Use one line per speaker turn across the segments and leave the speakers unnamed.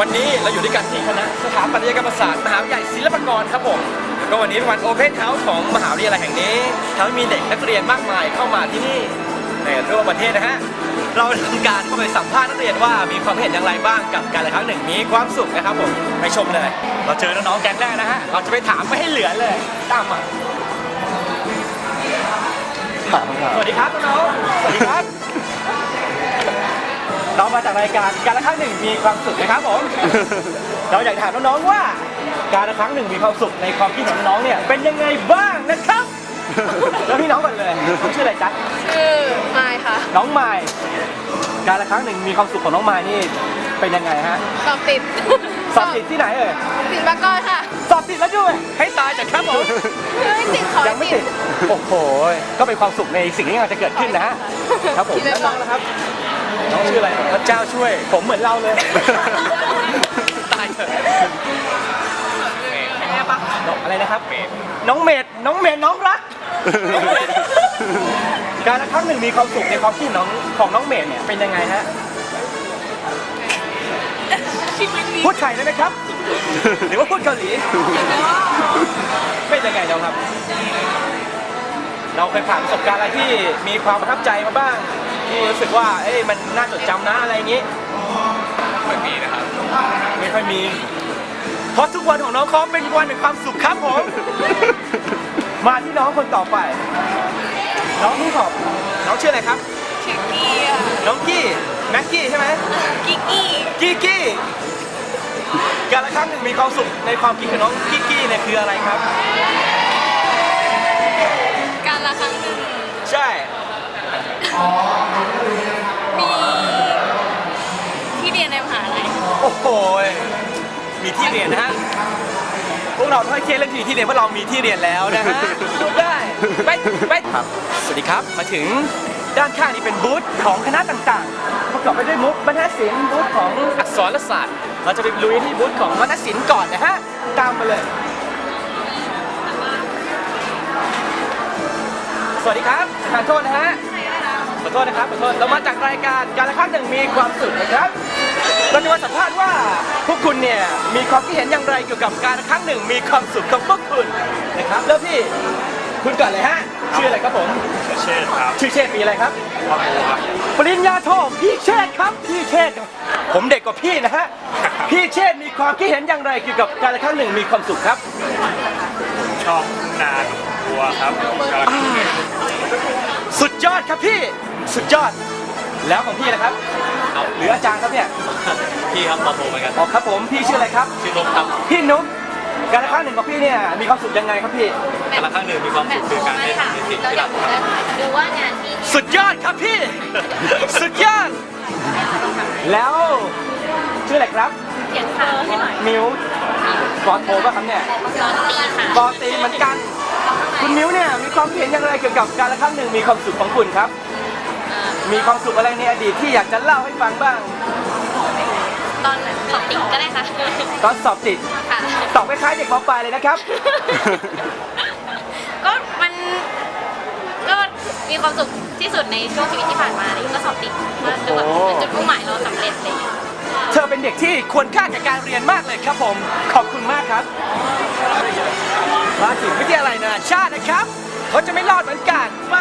นี้เราอยู่ด้วยกันที่คณะสถาปัตยกรรมศาสตร์มหาวิทยาลัยศิลปากรครับผมแล้วก็วันนี้เป็นวันโอเพนเฮาส์ของมหาวิทยาลัยแห่งนี้ทำให้มีเด็กนักเรียนมากมายเข้ามาที่นี่ในทั่วประเทศนะฮะเราทำการเข้าไปสัมภาษณ์นักเรียนว่ามีความเห็นอย่างไรบ้างกับการละครั้งหนึ่งมีความสุขนะครับผมไปชมเลยเราเจอน้องๆแก๊งแรกนะฮะเราจะไปถามไม่ให้เหลือเลยตามมาสวัสดีครับน้องๆสวัสดีครับเรามาจากรายการการละครั้งหนึ่งมีความสุขนะครับผม เราอยากถามน้องๆว่าการละครั้งหนึ่งมีความสุขในความคิดของน้องๆเนี่ยเป็นยังไงบ้างนะครับ แล้วพี่น้องก่อนเลยชื่ออะไรจ๊ะ
ชื่อไมค์ค่ะ
น้องไมค์การละครั้งหนึ่งมีความสุขของน้องไมค์นี่เป็นยังไงฮะ
สอบติด
สอบติดที่ไหนเอ่ย
ศิลปากรค่ะ
สอบติดแล้วด้วยให้ตายจากครับผม
ไม่ติดขอ
ยังไม่ติดโอ้โหก็เป็นความสุขในสิ่งที่กำลังจะเกิดขึ้นนะฮะครับผมแล้วน้องนะครับน้องชื่ออะไรพระเจ้าช่วยผมเหมือนเราเลยตายเถอะอะไรนะครับน้องเมดน้องรักการละครั้งหนึ่งมีความสุขในความคิดของน้องเมดเนี่ยเป็นยังไงฮะพูดไทยได้ไหมครับหรือว่าพูดเกาหลีเป็นยังไงเราครับเราเคยผ่านประสบการณ์อะไรที่มีความประทับใจมาบ้างที่รู้สึกว่ามันน่าจดจำนะอะไรอย่างนี้ไม่มีนะครับไม่ค่อยมีเพราะทุกวันของน้องเขาเป็นวันแห่งความสุขครับผมมาที่น้องคนต่อไปน้องนี่ขอบน้องชื่ออะไรครับ
ชื่อกี้
น้องกี้แม็กกี้ใช่ไหมกี้การละครั้งหนึ่งมีความสุขในความคิดของน้องกี้เนี่ยคืออะไรครับ
การละครั้งหนึ่ง
ใช่
มีที่เรียนในมหาลัย
โอ้โหมีที่เรียนนะฮะพวกเราถ้อยเคียงเรื่องที่เรียนเพราะเรามีที่เรียนแล้วนะฮะดูได้ไปครับสวัสดีครับมาถึงด้านข้างนี้เป็นบูธของคณะต่างๆประกอบไปด้วยมุกบรรณศิลป์บูธของอักษรศาสตร์เราจะไปลุยที่บูธของวรรณศิลป์ก่อนนะฮะตามมาเลยสวัสดีครับขอโทษนะฮะขอโทษนะครับเรามาจากรายการการละครั้งหนึ่งมีความสุขนะครับเราจะมาสัมภาษณ์ว่าพวกคุณเนี่ยมีความคิดเห็นอย่างไรเกี่ยวกับการละครั้งหนึ่งมีความสุขของพวกคุณนะครับแล้วพี่คุณก่อนเลยฮะชื่ออะไรครับผม
เชษครับ
ชื่อเชษปีอะไรครับปริญญาโทพี่เชษครับพี่เชษผมเด็กกว่าพี่นะฮะพี่เชษมีความคิดเห็นอย่างไรเกี่ยวกับการละครั้งหนึ่งมีความสุขครับ
ชอบนาบัวครับ
สุดยอดครับพี่สุดยอดแล้วของพี่นะครับหรืออาจารย์ครับเนี่ย
พี่ครับมาโทรเหมือนกัน
อ๋อครับผมพี่ชื่ออะไรครับ
ชื่อนุ๊กครับ
พี่นุ๊กการละครั้งหนึ่งของพี่เนี่ยมีความสุขยังไงครับพี่
การละครั้งหนึ่งมีความสุขคือการได้ทำในสิ่งที่เราทำ
ดูว่างานที่
สุดยอดครับพี่สุดยอดแล้วชื่ออะไรครับ
เขียนข่าวให้หน่อย
มิวกอโทรป่ะครับเนี่ยกอตีเหมือนกันคุณมิวเนี่ยมีความเห็นอย่างไรเกี่ยวกับการละครั้งหนึ่งมีความสุขของคุณครับมีความสุขอะไรในอดีตที่อยากจะเล่าให้ฟังบ้าง
ตอนสอบติดก็ได้ค่ะ
ตอนสอบติดตอบคล้ายๆเด็กม.ปลายเลยนะครับ
ก็มันก็มีความสุขที่สุดในช่วงชีวิตที่ผ่านมาเลยก็สอบติดมาจนแบบจุดมุ่งหมายเราสำเร็จเลย
เธอเป็นเด็กที่ควรค่าแก่การเรียนมากเลยครับผมขอบคุณมากครับมาถึงวิทยาลัยนานาชาตินะครับเขาจะไม่รอดเหมือนกันไป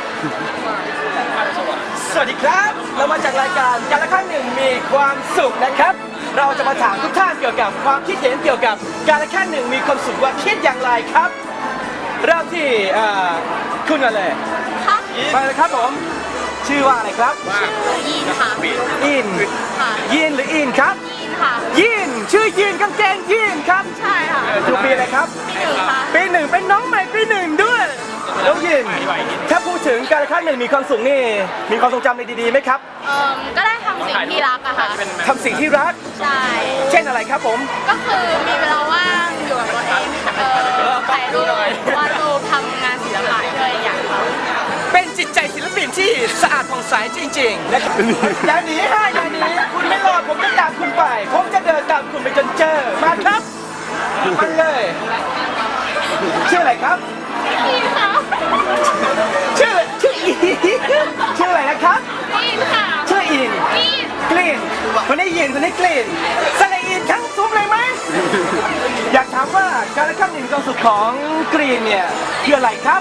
สวัสดีครับเรามาจากรายการการละครั้งหนึ่งมีความสุขนะครับเราจะมาถามทุกท่านเกี่ยวกับความคิดเห็นเกี่ยวกับการละครั้งหนึ่งมีความสุขว่าคิดอย่างไรครับเริ่มที่คุณกันเลยไปเลยครับผมชื่อว่าอะไรครับ
ยีนค่ะ
อินยีนหรืออินครับ
ยีนค่ะ
ยีนชื่อยีนกางเกงยีนครับ
ใช่ค่ะ
อยู่ปีอะไรครับปีหนึ่งเป็นน้องใหม่ปีหนึ่งด้วยแล้วยีนถ้าพูดถึงการละครั้งหนึ่งมีความสุขนี่มีความทรงจำในดีๆไหมครับ
ก็ได้ทำสิ่งที่รักอะค่ะ
ทำสิ่งที่รัก
ใช่
เช่นอะไรครับผม
ก็คือมีเวลาว่างอยู่กับตัวเองถ่ายรูปวาดรูปทำงานศิลปะด้วยอย่าง
เป็นจิตใจศิลปินที่สะอาดผ่องใสจริงๆนะครับอย่าหนีให้อย่าหนีคุณไม่รอดผมจะตามคุณไปผมจะเดินตามคุณไปจนเจอมาครับมาเลยชื่ออะไรครับ
อินค่ะ
ชื่ออินชื่ออะไรนะครับ
อินค่ะ
ชื่ออินกลิ่นคนได้ยินคนได้กลิ่นสละอีทั้งซุ้มเลยไหมอยากถามว่าการละครั้งหนึ่งความสุขของกรีนเนี่ยคืออะไรครับ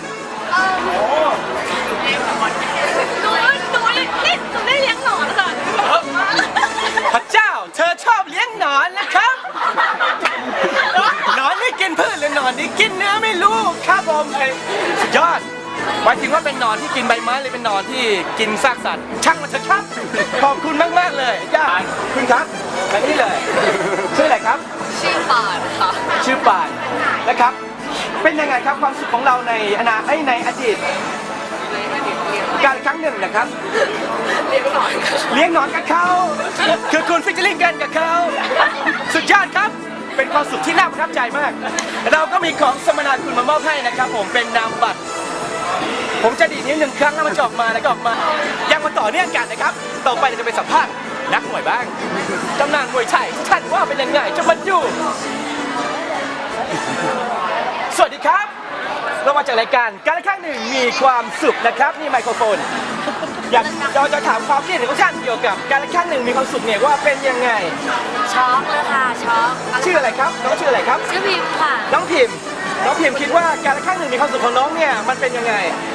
หนูได้เลี้ยงหนอนค่ะ
พระเจ้าเธอชอบเลี้ยงหนอนนะครับหนอนนี่กินพืชหรือหนอนนี่กินเนื้อไม่รู้ครับผมสุดยอดหมายถึงว่าเป็นหนอนที่กินใบไม้หรือเป็นหนอนที่กินซากสัตว์ช่างมันเถอะครับขอบคุณมากๆเลยย่าคุณครับมาที่เลยชื่ออะไรครับ
ชื่อปานค่ะ
ชื่อป่านนะครับเป็นยังไงครับความสุขของเราในในอดีตการครั้งหนึ่งนะครับเลี้ยงหนอนกับเขาคือคุณฟิชเชอร์ลิงกันกับเขาสุดยอดครับเป็นความสุขที่น่าประทับใจมาก เราก็มีของสมนาคุณมามอบให้นะครับผมเป็นนามบัตรผมจะดีดนิ้วหนึ่งครั้งแล้วมันจะออกมาแล้วก็ออกมายังมาต่อเนื่องกันนะครับต่อไปเราจะไปสัมภาษณ์นักมวยบ้างตำนานมวยไทยท่านว่าเป็นยังไงจะมาดูสวัสดีครับเรามาจากรายการการละครั้งหนึ่งมีความสุขนะครับนี่ไมโครโฟนอยากเราจะถามความคิดเห็นของท่านเกี่ยวกับการละครั้งหนึ่งมีความสุขเนี่ยว่าเป็นยังไง
ช็อกเลยค่ะช็อก
ชื่ออะไรครับน้องชื่ออะไรครับ
ชื่อพิมพ์ค่ะ
น้องพิมคิดว่าการละครั้งหนึ่งมีความสุขของน้องเนี่ยมันเป็นยังไง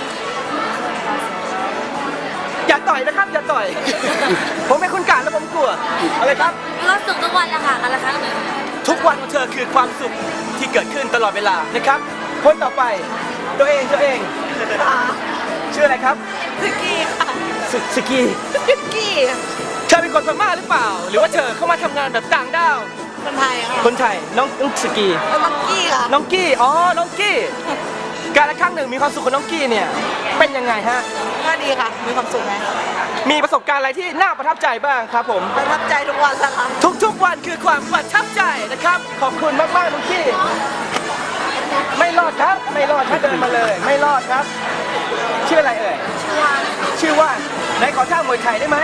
อย่าต่อยนะครับอย่าต่อย ผมเป็นคนกลางแล้วผมกลัวอะไรครับ
มีความสุขทุกวันแหละค่ะกันละครั้งหนึ่ง
ทุกวันของเธอคือความสุขที่เกิดขึ้นตลอดเวลานะครับคนต่อไปตัวเองชื่ออะไรครับ
สกีค่ะ
สกี
สกี
เธอเป็นคนพม่าหรือเปล่า หรือว่าเธอเข้ามาทำงานแบบต่างด้าว
คนไทยค่ะ
คนไทยน้องสกี
มังกี้ค่ะ
น้องกี้อ๋อน้องกี้การละครั้งหนึ่งมีความสุขของน้องกี้เนี่ยเป็นยังไงฮะ
ก็ดีค่ะมีความสุขไหม
มีประสบการณ์อะไรที่น่าประทับใจบ้างครับผม
ประทับใจทุกวันละค่ะ
ทุกๆวันคือความประทับใจนะครับขอบคุณมากๆน้องกี้ไม่รอดครับไม่รอดถ้าเดินมาเลยไม่รอดครับชื่ออะไรเอ่ย ชื่อว่าไหนขอท่ามวยไทยได้ไหม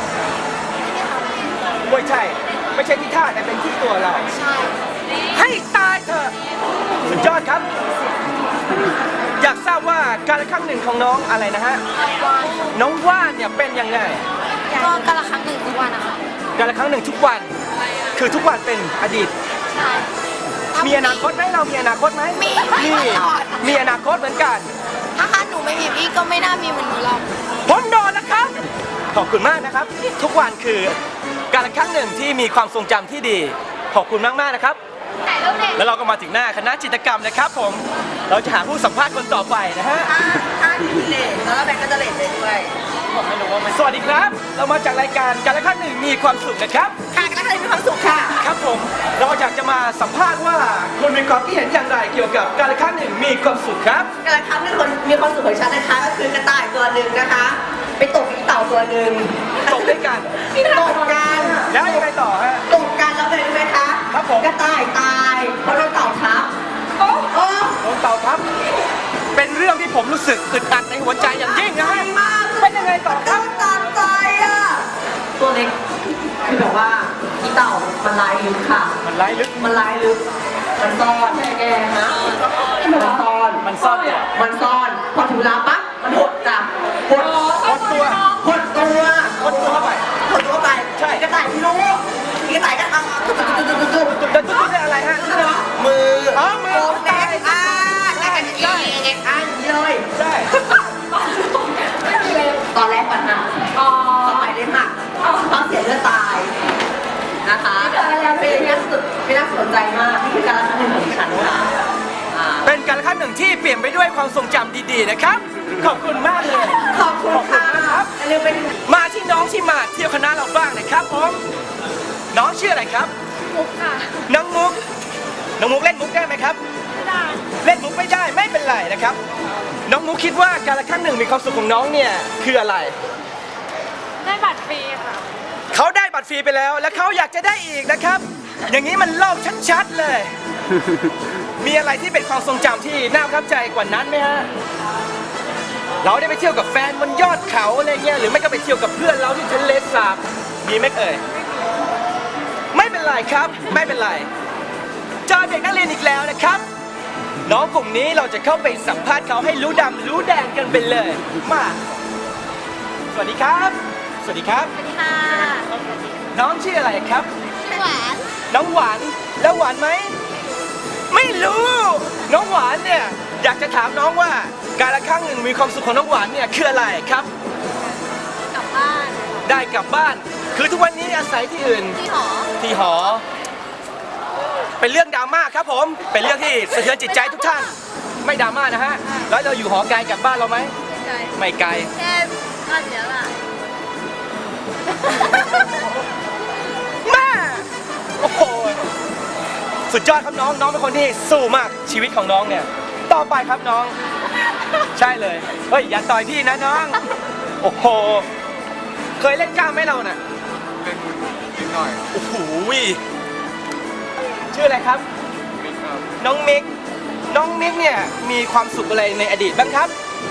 มวยไทยไม่ใช่ที่ท่าแต่เป็นที่ตัวเรา
ใช่
ให้ตายเถอะสุดยอดครับ อยากทราบว่าการละครั้งหนึ่งของน้องอะไรนะฮะน้องว่านเนี่ยเป็นยังไง
ก็กันละครั้งหนึ่งทุกวันนะคะ
การละครั้งหนึ่งทุกวันคือทุกวันเป็นอดีต
ใช่
มีอนาคตไหมเรามีอนาคตไหมมีอนาคตเหมือนกัน
ถ้าหนูไม่มีพี่ก็ไม่น่ามีเหมือนหนูหรอก
ผมโดนแล้วครับขอบคุณมากนะครับ ทุกวันคือการละครั้งหนึ่งที่มีความทรงจำที่ดีขอบคุณมากๆนะครับ แล้วเราก็มาถึงหน้าคณะจิตรกรรมนะครับผมเราจะหาผู้สัมภาษณ์คนต่อไปนะฮะ
ถ้าเลทแล้วแบงก็จะเลทเลยด้วย
ผมไม่รู้ว่ามันสวัสดีครับ เรามาจากรายการการละครั้งหนึ่งมีความสุขนะครับ
ค่ะกันละครั้งหนึ่งมีความสุขค่ะ
ครับผมเราอยากจะมาสัมภาษณ์ว่าคุณมีความคิดเห็นอย่างไรเกี่ยวกับการละครั้งหนึ่งมีความสุขครับ
กระทั่งคนมีความสุขของฉันนะคะก็คือกระต่ายตัวหนึ่งนะคะ ไปตกอีเต่าตัวหนึ่ง
ตกด้วยกัน
ตกกัน
แล้วยังไงต่อฮะ
ตกกันแล้วเลยรู้ไหมคะ
ครับผม
กระต่ายตายเพราะโดนเต่าทับโอ้
โดนเต่าทับเป็นเรื่องที่ผมรู้สึกอึดอัดในหัวใจอย่างยิ่งนะฮะ
มาก
เป็นยังไงต่อครับ
ตามใจอ่ะตัวเล็กคือแบบว่าอีเต่ามันลายลึกค่ะ
มันไร้ลึก
มันลายลึกมันซ่อนแกนะมันซ่อน
มันซ่อนเนี่ย
มันซ่อนพอถึงเวลาปั๊บมันหดจ้ะหด
หดตัว
หดตัว
หดตัวเข้าไป
หดตัวไป
ใช่
กระต่ายพี่รู้กระต่ายก็ตุ๊บ
จะตุ๊ดได้อะไรฮะ
มือ
อ๋อมือ
โกงเล็กแล้วกันอีกเลย
ใช่
ตอนแรกฝันหักต่อไปได้หักต้องเสียเลือดตายนะคะเป็นน่าสนใจมากนี่คือการละครั้งหนึ่งของดิฉันค่ะ
เป็นการละครั้งหนึ่งที่เปลี่ยนไปด้วยความทรงจำดีๆนะครับขอบคุณมากเลย
ขอบคุณค่ะอย่าลืมเป็น
มาที่น้องที่มาเที่ยวคณะเราบ้างนะครับผมน้องชื่ออะไรครับ
มุกค่ะ
น้องมุกเล่นมุกได้ไหมครับ
ไม่ได้
เล่นมุกไม่ได้ไม่เป็นไรนะครับ น้องมุกคิดว่าการละครั้งหนึ่งมีความสุขของน้องเนี่ยคืออะไร
ได้บัตรฟรีค่ะ
เขาได้บัตรฟรีไปแล้ว และเขาอยากจะได้อีกนะครับ อย่างนี้มันโลกชัดๆเลย มีอะไรที่เป็นความทรงจำที่น่าประทับใจกว่านั้นไหมฮะเราได้ไปเที่ยวกับแฟนบนยอดเขาอะไรเงี้ยหรือไม่ก็ไปเที่ยวกับเพื่อนเราที่ทะเลสาบมีไหมเอ่ยไม่เป็นไรครับไม่เป็นไรเจอเด็กนักเรียนอีกแล้วนะครับ น้องกลุ่มนี้เราจะเข้าไปสัมภาษณ์เขาให้รู้ดำรู้แดงกันไปเลยมาสวัสดีครับสวัสดีครับ
สวัสดีค่ะ
น้องชื่ออะไรครับ
หวาน
น้องหวาน แล้วหวานไหม ไม่รู้ น้องหวานเนี่ยอยากจะถามน้องว่าการละครั้งหนึ่งมีความสุขของน้องหวานเนี่ยคืออะไรครับ
กลับบ้าน
ได้กลับบ้าน คือทุกวันนี้อาศัยที่อื่น
ที่หอ
ที่หอ เป็นเรื่องดราม่าครับผม เป็นเรื่องที่สะเทือนจิตใจทุกท่าน ไม่ดราม่านะฮะ แล้วเราอยู่หอไกลจากบ้านเราไหม
ใจ
ไม่ไกล
แค่บ้านเดียวล่ะ
แม่โอ้โห สุดยอดครับน้อง น้องเป็นคนที่สู้มากชีวิตของน้องเนี่ย ต่อไปครับน้อง ใช่เลย เฮ้ยอย่าต่อยพี่นะน้อง โอ้โห เคยเล่นกล้ามไหมเราน่ะ
เล่นนิดหน่อย
โอ้โหชื่ออะไรครับ
มิกครับ
น้องมิก น้องมิกเนี่ยมีความสุขอะไรในอดีตบ้างครับ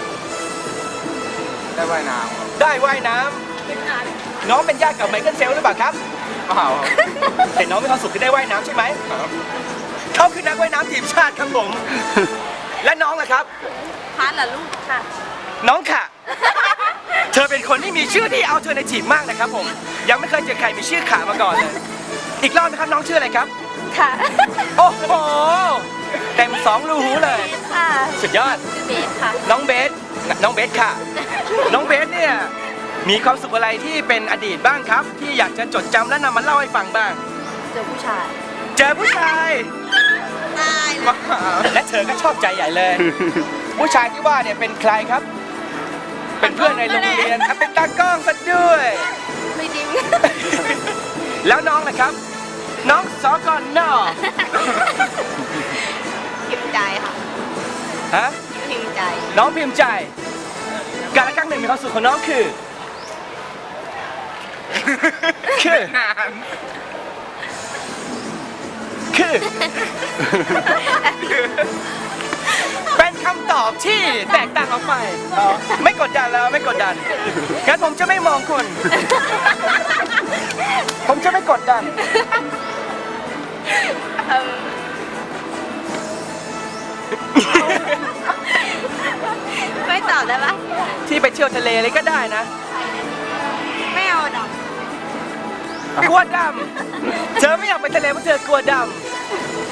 ได้ว่ายน้ำครับ
ได้ว่ายน้ำน้องเป็นญาติกับไมเคิลเฟลหรือเปล่าครับ
เปล่าครับ
แต่น้องมีความสุขที่ได้ว่ายน้ำใช่ไหม
ครับ
เขาคือนักว่ายน้ำทีมชาติครับผม และน้องล่ะครับ
พัดเหรอลูกค่ะ
น้องค่ะ เธอเป็นคนที่มีชื่อที่เอาเธอในทีมมากนะครับผม ยังไม่เคยเจอใครมีชื่อขามาก่อนเลย อีกรอบนะครับน้องชื่ออะไรครับ
ค่ะ
โอ้โห เต็มสองรูหูเลย
ค่ะ
สุดยอด
ชื่อเบสค่ะ
น้องเบส น้องเบสค่ะ น้องเบสเนี่ยมีความสุขอะไรที่เป็นอดีตบ้างครับ ที่อยากจะจดจำและนำมาเล่าให้ฟังบ้าง
เจอผู้ชาย
เจอผู้ชาย
ตายเลย
และเธอก็ชอบใจใหญ่เลย ผู้ชายที่ว่าเนี่ยเป็นใครครับ เป็นเพื่อนในโรงเรียนเป็นตากล้องซะด้วย
ไม่จริง
แล้วน้องล่ะครับ น้องสอกอนนอ
พิมพ์ใจค่ะ
ฮะ
พิมพ์ใจ
น้องพิมพ์ใจ การละครั้งหนึ่งมีความสุขของน้องคือ คือ
นาน
คือ เป็นคำตอบที่แตกต่างออกไปไม่กดดันแล้วไม่กดดันงั้นผมจะไม่มองคุณ ผมจะไม่กดดัน
ไม่ตอบได้ปะ
ที่ไปเที่ยวทะเลเลยก็ได้นะ
ไม่เอาดอก
กลัวดำ เธอไม่อยากไปทะเลเพราะเธอกลัวดำ